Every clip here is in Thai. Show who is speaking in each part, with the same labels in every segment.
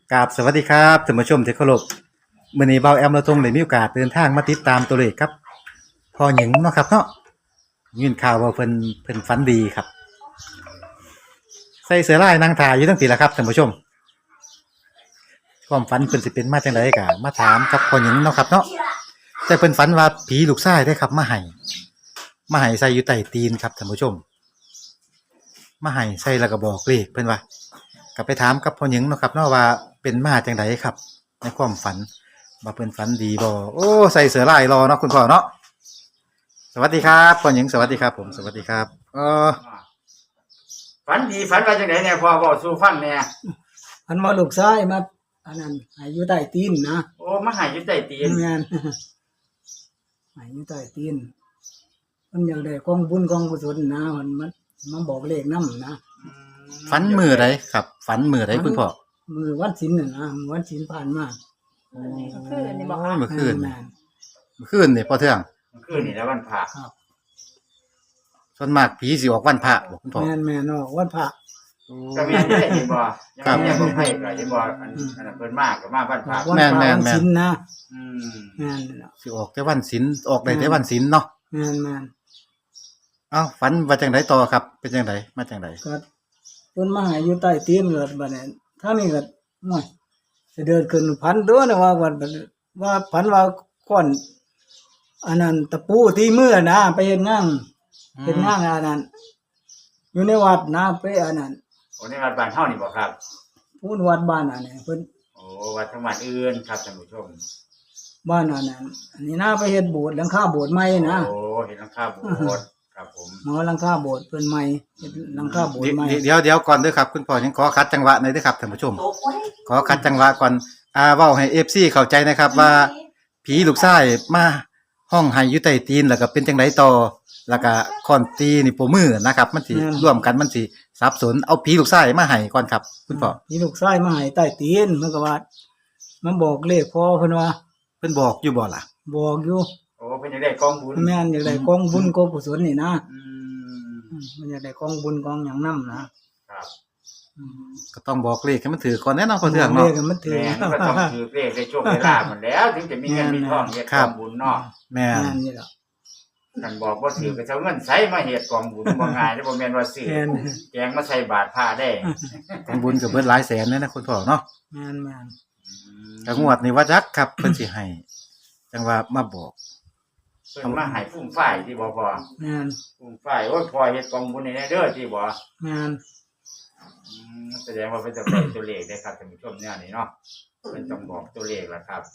Speaker 1: กราบสวัสดีครับท่านผู้ชมที่เคารพมื้อนี้เบาแอมเราทงได้มีโอกาสเดินทางมาติดตามตัวเลขครับพ่อหญิงเนาะครับเนาะยินข่าวว่าเพิ่นฝันดีครับใส่เสื้อลายนางถ่ายอยู่ทั้งปีละครับท่านผู้ชมความฝันเพิ่นสิเป็นมาจังไดก็มาถามกับพ่อหญิงเนาะครับเนาะแต่เพิ่นฝันว่าผีลูกชายได้ครับมาให้ใส่อยู่ใต้ตีนครับท่านผู้ชมมาให้ใส่แล้วก็บอกเลขเพิ่นว่าก็ไปถามกับพ่อหญิงเนาะครับเนาะว่าเป็นมาจังไดครับในความฝันว่าเพิ่นฝันดีบ่โอ้ใส่เสื้อลายรอเนาะคุณพ่อเนาะสวัสดีครับพ่อหญิงสวัสดีครับผมสวัสดีครับ
Speaker 2: ฝันดีฝันว่าจังได๋แน่พ่อเว้าสู่ฟังแน่
Speaker 3: อันว่าลูกชายมาอันนั้นให้อยู่ใต้ตีนนะ
Speaker 2: โอ้มาหาอยู่ใต้ตีน
Speaker 3: แม่น ให้อยู่ใต้ตีนมันอยากได้กองบุญกองกุศลนะมันบอกเลขนำนะ
Speaker 1: ฝันมื้อใดครับฝันมื้อใดคุณพ่อ
Speaker 3: มื้อวันศีลน่ะนะวันศีลผ่านมา
Speaker 1: คืนนี่บ่ครับเมื่อคืน
Speaker 3: แม่น
Speaker 1: เมื่อคืนนี่พ่อเทือง
Speaker 2: คืนนี่แล้ววันพระ
Speaker 3: ครับ
Speaker 1: ส่วนมากผีสิออกวันพระบ่คุณพ่อ
Speaker 3: แม่นเนาะวันพระ
Speaker 2: ก็แม่นได้เห็นบ่ยังยังบ่ให้ก็เห็นบ่อันนั้นเพิ่นมาก็มาวันพระ
Speaker 3: วันพระวันศีลนะ
Speaker 2: อืม
Speaker 3: แม่น
Speaker 1: สิออกแต่วันศีลออกได้แต่วันศีลเนาะ
Speaker 3: แม่น
Speaker 1: เอ้าฝันว่าจังไดต่อครับเป็นจังไดมาจังได
Speaker 3: ก็เพิ่นมาให้อยู่ใต้ตีนเกิดบัดนี้ทางนี้ก็โอ้ยสิเดินขึ้นพันตัวนะว่าพันว่าก้อนอันนั้นตะปูที่มือนะไปเฮ็ดงานอันนั้นอยู่ในวัดนะไปอันนั้น
Speaker 2: โอ้ในวัดบ้านเฮานี่บ่ครับ
Speaker 3: พูดวัดบ้านอันนี้เพิ่น
Speaker 2: โอ้วัดจังหวัดอื่นครับท่านผู้ชม
Speaker 3: บ้านอันนั้นอันนี้นะไปเฮ็ดโบสถ์หลังคาโบสถ์ใหม่นะ
Speaker 2: โอ้เห็นหลังคาโบสถ์ครับผม
Speaker 3: หมอหลังคาโบสถ์เพิ่นใหม่เฮ็ดหลังคาโบสถ์ใหม่
Speaker 1: เดี๋ยวก่อนเด้อครับคุณพ่อยังขอคัดจังหวะหน่อยเด้อครับท่านผู้ชมขอคัดจังหวะก่อนเว้าให้ FC เข้าใจนะครับว่าผีลูกชายมาห้องให้อยู่ใต้ตีนแล้วก็เป็นจังไดต่อแล้วก็คอนตีนี่โปมือนะครับมันสิร่วมกันมันสิสับสนเอาผีลูกชายมาให้ก่อนครับคุณพ่อ
Speaker 3: นี่ลูกชายมาให้ใต้ตีนมันก็ว่ามันบอกเลขพ่อเพิ่นว่า
Speaker 1: เพิ่นบอกอยู่บ่ล่ะ
Speaker 3: บอกอยู่
Speaker 2: โอ้เพิ่นจะได้กองบุญ
Speaker 3: แม่นอยากได้กองบุญกองกุศลนี่นะ
Speaker 2: อืม
Speaker 3: มันอยากได้กองบุญกองหยังนำนะครับ
Speaker 1: ก็ต้องบอกเลขให้มันถือก่อนแน่นอนพ่อเทือง
Speaker 3: เล
Speaker 1: เนาะ
Speaker 3: ขมันถือ
Speaker 2: แม่นก็ต้องถือเลขได้โชคได้ลาภมันแล้วถึงจะมีเงินมีทองเฮ็ดกองบุญเนาะ
Speaker 1: แม่
Speaker 3: แม่
Speaker 1: น
Speaker 3: นนี่ล่ะ
Speaker 2: ท่านบอกว่าถือก็จะเอาเงินใช้มาเฮ็ดกองบุญบ่ง่ายเด้อบ่แม่นว่าซื้อ
Speaker 3: แม่น
Speaker 2: แกงมาใส่บาตรพระได้
Speaker 1: ทำบุญก็เบิดหลายแสนเลยนะคุณพ่อเนาะ
Speaker 3: แม่น
Speaker 1: ก็งวดนี้ว่าจักครับเพิ่นสิให้จังว่ามาบอก
Speaker 2: เพิ่นมาให้ฟุ่มฝ่ายที่บ่พอ
Speaker 3: แม่น
Speaker 2: ฟุ่มฝ่ายโอ้ยพอเฮ็ดกองบุญให้แน่เด้อที่บ่
Speaker 3: แม่น
Speaker 2: แสดงว่าเพิ่นจะบอกตัวเลขได้ครับท่านผู้ชมเนี่ยนี่เนาะเพิ่นต้องบอกตัวเลขล่ะครับ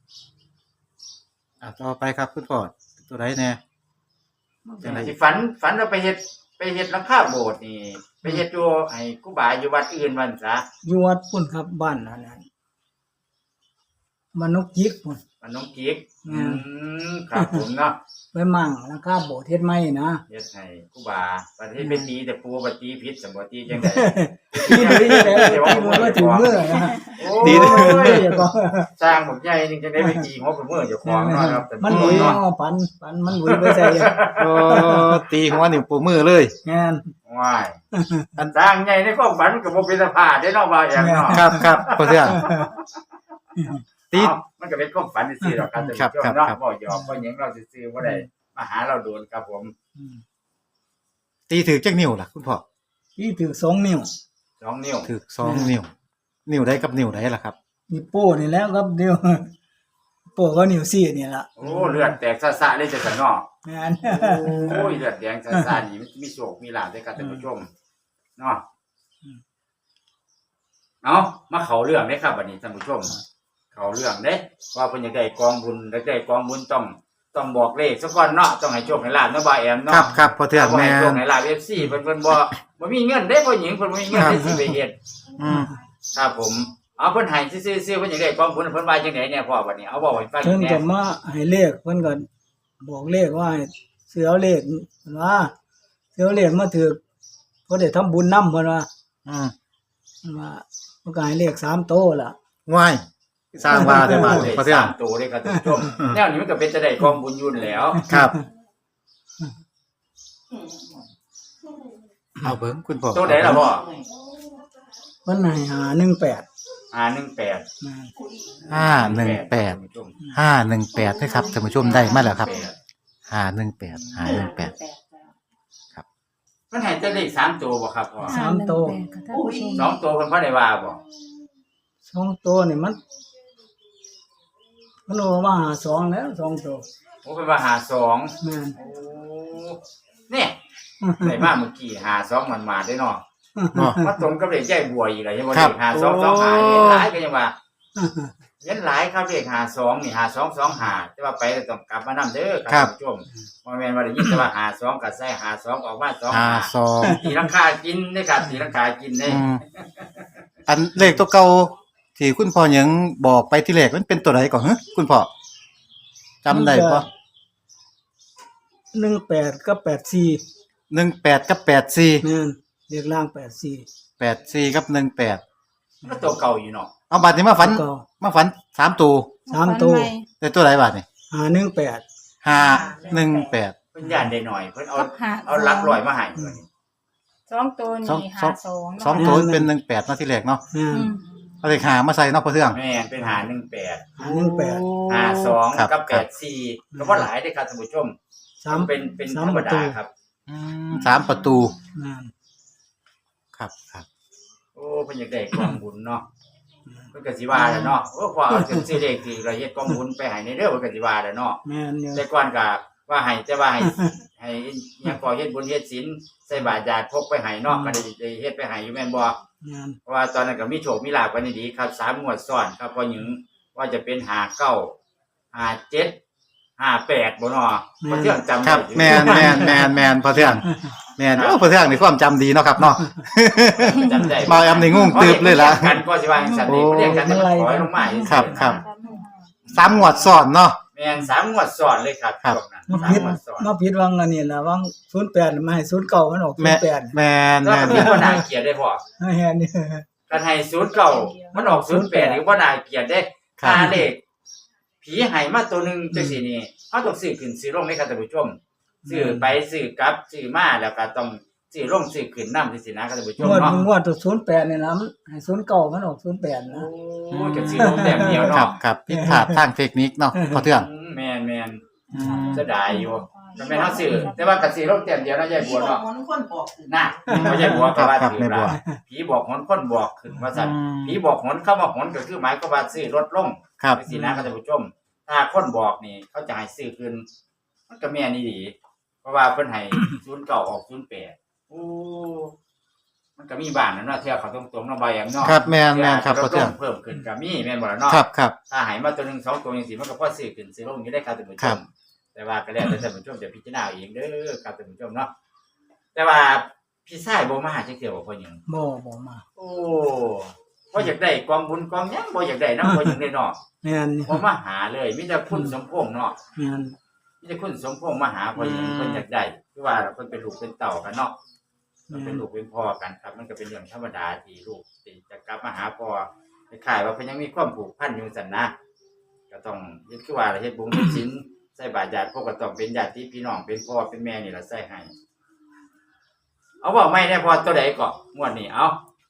Speaker 1: ต่อไปครับคุณพ่อตัวใดแน่ จังได๋
Speaker 2: ที่ฝันว่าไปเฮ็ดหลังคาโบสถ์นี่ไปเฮ็ดอยู่ให้ครูบาอยู่วัดอื่นวันซะ
Speaker 3: อยู่วัดพุ่นครับบ้านอันนั้นมานกจิกพุ่น
Speaker 2: มันน้องกิ๊กครับผมเนาะ
Speaker 3: ไปมั่งหลังคาโบสถ์เฮ็ดใหม่นะ
Speaker 2: เฮ็ดให้ครูบาบัดนี้ไปตีแต่ปูบัดตีผิดสมบ่ตีจังได๋
Speaker 3: ที่ดีแล้วที่มันมาถึงเมื่อนะ
Speaker 1: ตี
Speaker 3: โอ้
Speaker 1: เด้อ
Speaker 3: ยอย่าบอก
Speaker 2: สร้างบักใหญ่นี่จังได้ไปตีหัวไปเมื่อเจ้าของเนาะครับแต่
Speaker 3: มันหลุย
Speaker 2: เนาะ
Speaker 3: เอาปันมันหลุยไปใส่
Speaker 1: โอ้ตีหัวนิ้วโป้มือเลย
Speaker 3: งาน
Speaker 2: ว้ายอันสร้างใหญ่ในความฝันก็บ่เป็นสภาพได้เนาะว่าอย่างเนาะ
Speaker 1: ครับพ่อเทืองตี
Speaker 2: เอ้ามันก็เป็นความฝันซื่อๆหรอกครับท่านผู้ชมเนาะบ่หยอกบ่หยังเราซื่อๆบ่ได้มาหาเราโดนครับผม
Speaker 1: ตีถือจักนิ้วล่ะคุณพ่อ
Speaker 3: ที่ถือ2 นิ้ว
Speaker 2: 2 นิ้ว
Speaker 1: ถือ2นิ้วนิ้วใดกับนิ้วใดล่ะครับ
Speaker 3: นี่โป้นี่แล้วครับนิ้วโป้ก็นิ้วซี่นี่ล่ะ
Speaker 2: โอ้เลือดแตกซ่าๆเลยจังซั่นเนาะ
Speaker 3: งาน
Speaker 2: โอ้ยเลือดแดงซ่าๆนี่มันมีโชคมีลาภได้ครับท่านผู้ชมเนาะเอามาเข้าเรื่องเด้ครับบัดนี้ท่านผู้ชมเข้าเรื่องเด้ว่าเพิ่นอยากได้กองบุญอยากได้กองบุญต้องบอกเลขซะก่อนเนาะต้องให้โชคให้ลาภเนาะบ่าวแอม
Speaker 1: ครั
Speaker 2: เนาะ
Speaker 1: บครับพ่อเทือง
Speaker 2: บ่
Speaker 1: แม่
Speaker 2: ให้โชคน ให้ลาภ FC เพิ่นบ่มีเงินเด้ผู้หญิงเพิ่นบ่มีเงินได้สิไปเฮ็ด
Speaker 1: อืม
Speaker 2: ครับผมเอาเพิ่นให้ซื่อๆเพิ่นอยากได้กองบุญเพิ่นว่าจังได๋เนี่ยพ่อบัดนี้เอาบอกให้ฟัง
Speaker 3: เพิ่น
Speaker 2: แหน่
Speaker 3: ก็มาให้เลขเพิ่นก็บอกเลขว่าให้ซื้อเอาเลขเพิ่นว่าซื้อเอาเลขมาถือเพิ่นได้ทำบุญนำเพิ่นว่า
Speaker 1: อืม
Speaker 3: เพิ่นว่าเพิ่นก็ให้เลข3โตล่ะ
Speaker 1: ว้ายสร้างว่าได้มา
Speaker 2: เลข
Speaker 1: พ่อเทือง
Speaker 2: 3ตัวเลยครับท่านผู้ชมแนวนี้มันก็เป็นจะได้กองบุญอยู่แล้ว
Speaker 1: ครับเอาเบิ่งคุณพ่อ
Speaker 2: ตัวไหนล่ะพ่อ
Speaker 3: เพิ่นให้518
Speaker 2: 518
Speaker 3: แม่น
Speaker 1: 518 518นะครับท่านผู้ชมได้มาแล้วครับ518
Speaker 2: มันให้แต่เลข3ตัวบ่ครับพ่อ
Speaker 3: สามตัว
Speaker 4: ค่ะท่านผู้ชม
Speaker 2: 2ตัวเพิ่นบ่ได้ว่าบ่
Speaker 3: สองตัวนี่มันโอมาหาสองแล้วสองตัว
Speaker 2: โอ้เพิ่นว่า52
Speaker 3: แม่น
Speaker 2: โอ้เนี่ยได้มาเมื่อกี้52มันมาได้เนาะ
Speaker 1: เนาะ
Speaker 2: มาตรงกับเลขยายบัวอีกแล้วยังบ่
Speaker 1: ครั
Speaker 2: เล
Speaker 1: บ
Speaker 2: ข5225เห็นหลายก็ยังว่าเห็นหลายครับเลข52นี่5225แต่ว่าไปแล้วต้องกลับมานำเด้อครับท่านผู้ชมบ่แม่นว่าได้ยินแต่ว่า52ก็ใส่52ออกมา25
Speaker 1: 52
Speaker 2: ตีลังคากินเด้อครับตีลังคากินเด้
Speaker 1: อันเลขตัวเก่าที่คุณพ่อหยังบอกไปที่แรกมันเป็นตัวใดก่อนฮะคุณพ่อจำได้บ่
Speaker 3: 18กับ84
Speaker 1: 18กับ84
Speaker 3: แม่นเรียกล่าง84
Speaker 1: 84กับ18
Speaker 2: ก็ตัวเก่าอยู่เนาะ
Speaker 1: เอาบัดนี้มาฝัน
Speaker 3: เก่า
Speaker 1: มาฝัน3ตัว
Speaker 3: สามตัว
Speaker 1: ได้ตัวใดบัดนี่
Speaker 3: 518
Speaker 1: 518
Speaker 2: เพิ่นย่านได้หน่อยเพิ่นเอา
Speaker 4: กับหา
Speaker 2: เอาหลักร้อยมาให้
Speaker 4: สองตัวนี่หาสอง
Speaker 1: สองตัวเป็น18เนาะที่แรกเนาะ
Speaker 3: แม่น
Speaker 1: เอาเลข5มาใส่เนาะพ่อเทือง
Speaker 2: แม่นเป็น518
Speaker 3: 518
Speaker 1: ครับ
Speaker 2: 52กับ
Speaker 1: ครับ
Speaker 2: 84ก็บ่หลายเด้อครับท่านผู้ชม
Speaker 3: สาม
Speaker 2: เป็นธร
Speaker 3: สาม
Speaker 2: รม
Speaker 3: ประตู
Speaker 2: ดาครับ
Speaker 1: 3ประตู
Speaker 3: แม่น
Speaker 1: ครับครับ
Speaker 2: โอ้เพิ่นอยากได้กองบุญเนาะเพิ่นก็สิว่าแหละเนาะโอ้พอเอาซื้อเลขที่เราเฮ็ดกองบุญไปให้ในเด้อเพิ่นก็สิว่าแหละเนาะ
Speaker 3: แม่นอยู่
Speaker 2: แต่ก่อนก็ว่าให้แต่ว่าให้หยังก็เฮ็ดบุญเฮ็ดศีลใส่บาตรญาติพกไปให้เนาะก็ได้เฮ็ดไปให้อยู่แม่นบ่
Speaker 3: แม่น
Speaker 2: เพราะว่าตอนนั้นก็มีโชคมีลาภกันดีครับ3งวดซ้อนครับพอหยังว่าจะเป็น59 57 58บ่เนาะบ่เที่ยงจำ
Speaker 1: ครับ
Speaker 2: ได้อยู่
Speaker 1: แม่นพ่อเทืองแม่นโอ้พ่อเทืองนี่ความจำดีเนาะครับเนาะ
Speaker 2: จำได้
Speaker 1: มาแอมนี่งงตึบเลยล่ะ
Speaker 2: กันก็สิว่าจังซั่นนี่เรียกกันแต่มันขอให้ลงมาซื่อๆ
Speaker 1: ครับครับ 3งวดซ้อนเนาะ
Speaker 2: แม่น3งวดซ้อนเลยครับ
Speaker 1: ครับ
Speaker 2: ช่วงนั้น
Speaker 3: มา
Speaker 2: สาม
Speaker 3: ผิด
Speaker 2: งวดซ้อน
Speaker 3: มาผิดวังอันนี้ล่ะวัง08มาให้09มันออก
Speaker 1: แม่
Speaker 3: 08
Speaker 1: แม่น
Speaker 2: แล้ว
Speaker 1: แม่
Speaker 2: ก็
Speaker 1: น
Speaker 2: มีบ่น่าเกลียดได้พ่อ
Speaker 3: แม่นนี่
Speaker 2: กันให้09มันออก08นี่บ่น่าเกลียดเด้ค่าเลขผีให้มาตัวหนึงจังซี่นี่เฮาต้องซื้อขึ้นซื้อลงในครับท่านผู้ชมซื้อไปซื้อกลับซื้อมาแล้วก็ต้องซื้อลงซื้อขึ้นนำจังซี่นะครับท่านผู้ชม
Speaker 3: งวด
Speaker 2: เนาะ
Speaker 3: งวดตัว08นี่นะมันให้09มันออก08นะ
Speaker 2: โอ้ก็ซื้อลงแต้มเดียว
Speaker 1: ครั
Speaker 2: เนาะ
Speaker 1: บครับผิดพลาดทางเทคนิคเนาะพ่อเทือง
Speaker 2: แม่นเสียดายอยู่ก็แม่นเฮาซื้อแต่ว่าก็ซื้อลงแต้มเดียวเนาะยายบัวเนาะ
Speaker 5: คนบอก
Speaker 2: น่ะบ่ยายบัวก็ว่า
Speaker 1: ครับ
Speaker 2: ถือ
Speaker 1: แม่บัว
Speaker 2: ว่าผีบอกหนคนบอกขึ้นว่าซั่น ผีบอกหนเข้ามาหนก็คือหมายความว่าซื้อลดลง
Speaker 1: ครับ
Speaker 2: สินะครับท่านผู้ชม ถ้าคนบอกนี่เขาจะให้ซื้อขึ้นมันก็แม่นอีหลีเพราะว่าเพิ่นให้ 09ออก08โอ้มันก็มีบ้างนะเนาะเที่ยวเขาตรงๆเนาะบ่อย่างเนาะ
Speaker 1: ครับแม่นครับ
Speaker 2: ที่
Speaker 1: พ่อเทือง
Speaker 2: เพิ่มขึ้นก็มีแม่นบ่ล่ะเนาะ
Speaker 1: ครับครับ
Speaker 2: ถ้าให้มาตัวหนึง2ตัวจังซี่มันก็พอซื้อขึ้นซื้อลงอยู่ได้ครับท่านผู้ช
Speaker 1: ครั
Speaker 2: ม
Speaker 1: บ
Speaker 2: แต่ว่าก็แล้วแต่ท่านผู้ชมจะพิจารณาเอาเองเด้อครับท่านผู้ชมเนาะแต่ว่าพี่ชายบ่มาจักเที่ยวบ่พ่อหยัง
Speaker 3: บ่มา
Speaker 2: โอ้บ่อยากได้กองบุญกองหยังบ่อยากได้นำบ่อยากได้เนาะ
Speaker 3: แม่นนี่
Speaker 2: บ่มาหาเลยมีแต่คุณสมพงษ์เนาะ
Speaker 3: แม่น
Speaker 2: มีแต่คุณสมพงษ์มาหาพ่อหยังเพิ่นอยากได้คือว่าเพิ่นเป็นลูกเป็นเต้ากันเนาะมันเป็นลูกเป็นพ่อกันครับ มันก็เป็นเรื่องธรรมดาที่ลูกสิจะกลับมาหาพ่อคล้ายๆว่าเพิ่นยังมีความผูกพันอยู่ซั่นนะก็ต้องเฮ็ดคือว่าเฮ็ดบุญเฮ็ดศีลใส่บาตรญาติพวกก็ต้องเป็นญาติพี่น้องเป็นพ่อเป็นแม่นี่ล่ะใส่ให้เอาเว้าไม่ได้พอตัวใดก็งวดนี้เอา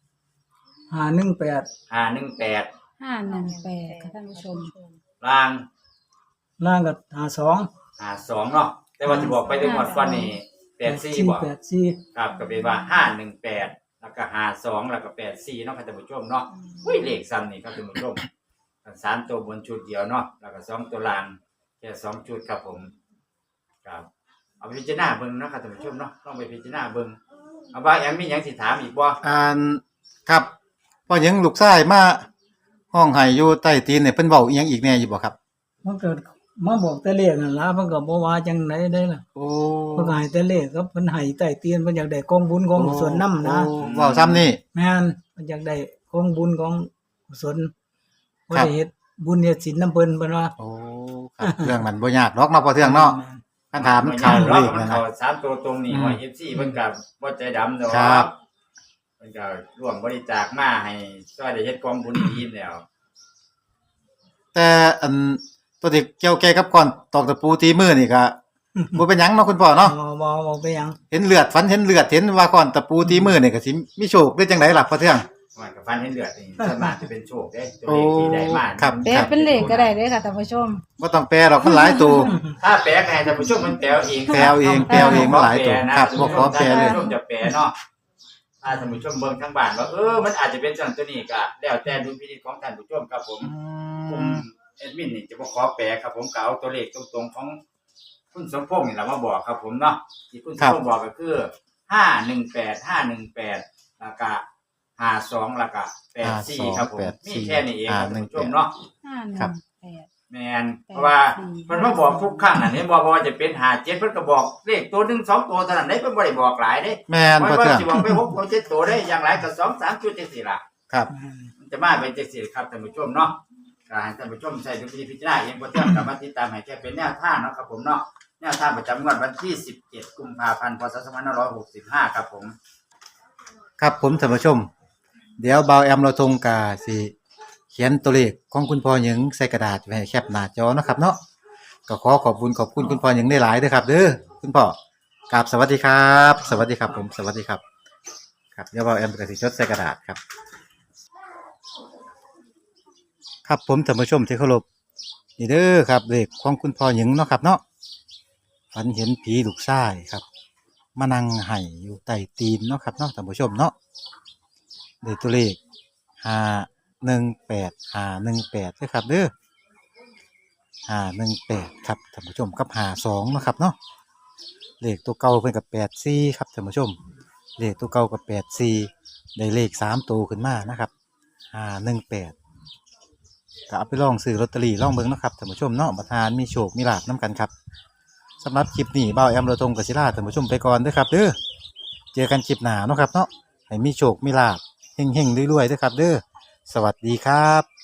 Speaker 3: 518
Speaker 2: 518
Speaker 4: 518ค่ะท่านผู้ชม
Speaker 2: ล่าง
Speaker 3: ล่างก็52
Speaker 2: 52เนาะแต่ว่าที่บอกไปถึงงวดก่อนนี่84บ่
Speaker 3: 84
Speaker 2: ครับก็เป็นว่า518แล้วก็52แล้วก็84เนาะครับท่านผู้ชมเนาะอุ้ยเลขซ้ำนี่ครับท่านผู้ชมกัน3ตัวบนชุดเดียวเนาะแล้วก็2ตัวล่างแค่2ชุดครับผมครับเอาไปพิจารณาเบิ่งเนาะครับท่านผู้ชมเนาะลองไปพิจารณาเบิ่งเอาว่ายังมีหยังสิถามอีกบ่
Speaker 1: ครับพ่อหยังลูกชายมาห้องไห้อยู่ใต้ตีนเนี่ยเพิ่นเว้าอีหยังอีกแน่อยู่บ่ครับ
Speaker 3: มันเกิดมาบอกแต่เลขนั่นล่ะมันก็บ่ว่าจังไดได้ล่ะ
Speaker 1: โอ้
Speaker 3: เพิ่นก็ให้แต่เลขครับเพิ่นให้ใต้เตียนเพิ่นอยากได้กองบุญของกุศลนำนะ
Speaker 1: โอ้เว้าซ้ำนี่
Speaker 3: แม่นเพิ่นอยากได้กองบุญของกุศลบ่
Speaker 1: ครับ
Speaker 3: ได้เฮ็ดบุญเฮ็ดศีลนำเพิ่นเพิ่นว่า
Speaker 1: โอ้ครับเรื่องมันบ่ยากหรอกเนาะพ่อเทืองเนาะคันถามข่าวเลข
Speaker 2: มัน
Speaker 1: นะ
Speaker 2: เข้า3ตัวตรงนี่ว่า FC เพิ่นก็บ่ใจดำดอก
Speaker 1: ครับ
Speaker 2: เพิ่นก็ร่วมบริจาคมาให้ช่วยได้เฮ็ดกองบุญดีๆแล้ว
Speaker 1: แต่อันตัวที่เกี่ยวแก่กับก่อนตอกตะปูตีมือนี่ก็บ่เป็นหยังเนาะคุณพ่อเนาะ
Speaker 3: บ่ไปหยัง
Speaker 1: เห็นเลือดฝันเห็นเลือดเห็นว่าก่อนตะปูตีมือนี่ก็สิมีโชคได้จังไดล่ะพ่อเทือง
Speaker 2: โมันกับฟันเห็นเลือดนี่ส่วนมากจะเป็นโชคได้ตัวเลขที่ได้มา
Speaker 1: ครับ
Speaker 4: แปลเป็นเลขก็ได้เด้อค่ะท่านผู้ชม
Speaker 1: บ่ต้องแปลหรอกมันหลายตัว
Speaker 2: ถ้าแปลก็ให้ท่านผู้ชมมันแปลเอง
Speaker 1: แปลเองมันหลายตัวครับบ่ขอแปลเลย
Speaker 2: ท่านผู้ชมจะแปลเนาะถ้าท่านผู้ชมเบิ่งทางบ้านว่ามันอาจจะเป็นจังตัวนี้ก็แล้วแต่ดุลพินิจของท่านผู้ชมครับผมแอดมินนี่จะบ่ขอแปลครับผมก็เอาตัวเลขตรงๆของคุณสมพงษ์นี่ล่ะมาบอกครับผมเนาะที่คุณสมพงษ์บอกก็คือ518แล้วก็52แล้วก็84ครับผมมีแค่นี้เองครับท่านผู้ชมเนาะ
Speaker 4: 518
Speaker 2: แม่นเพราะว่ามันมาบอกทุกครั้งอันนี้บอกว่าจะเป็น57เพิ่นก็บอกเลขตัว1 2ตัวเท่านั้นได้เพิ่นบ่ได้บอกหลายเด้
Speaker 1: แม่น
Speaker 2: มัน
Speaker 1: พ่อ
Speaker 2: ว่า
Speaker 1: เทื่อง
Speaker 2: สิบอกไป6ตัว7ตัวได้อย่างไรก็2 3จุดจังซี่ล่ะ
Speaker 1: ครับ
Speaker 2: มันจะมาเป็นจังซี่ครับท่านผู้ชมเนาะก็ให้ท่านผู้ชมใช้ดุลพิจารณาเองบ่เทื่องกลับมาติดตามให้แค่เป็นแนวทางเนาะครับผมเนาะแนวทางประจำงวดวันที่17กุมภาพันธ์พศ2565ครับผม
Speaker 1: ครับผมท่านผู้ชม เดี๋ยวเบาแอมเราทงกาสิเขียนตัวเลขของคุณพ่อหญิงใส่กระดาษไว้ให้แคปหน้าจอเนาะครับเนาะก็ขอบคุณคุณพ่อหญิงได้หลายเด้อครับเด้อคุณพ่อกราบสวัสดีครับ สวัสดีครับผมสวัสดีครับครับเดี๋ยวเบาแอมก็สิจดใส่กระดาษครับ ครับผมท่านผู้ชมที่เคารพนี่เด้อครับเลขของคุณพ่อหญิงเนาะครับเนาะฝันเห็นผีลูกชายครับมานั่งไห้อยู่ใต้ตีนเนาะครับเนาะท่านผู้ชมเนาะได้ตัวเลข518เด้อครับเด้อ518ครับท่านผู้ชมกับ52เนาะครับเนาะเลขตัวเก่าเพิ่นกับ84ครับท่านผู้ชมเลขตัวเก่ากับ84ได้เลข3ตัวขึ้นมานะครับ518ก็เอาไปลองซื้อลอตเตอรี่ลองเบิ่งเนาะครับท่านผู้ชมเนาะประธานมีโชคมีลาภนํกันครับสำหรับคลิปนี้บ่าวแอมเราตรงกับศิลาท่านผู้ชมไปก่อนเด้อครับเด้อเจอกันคลิปหน้าเนาะครับเนาะให้มีโชคมีลาภเฮงๆรวยๆเด้อครับเด้อสวัสดีครับ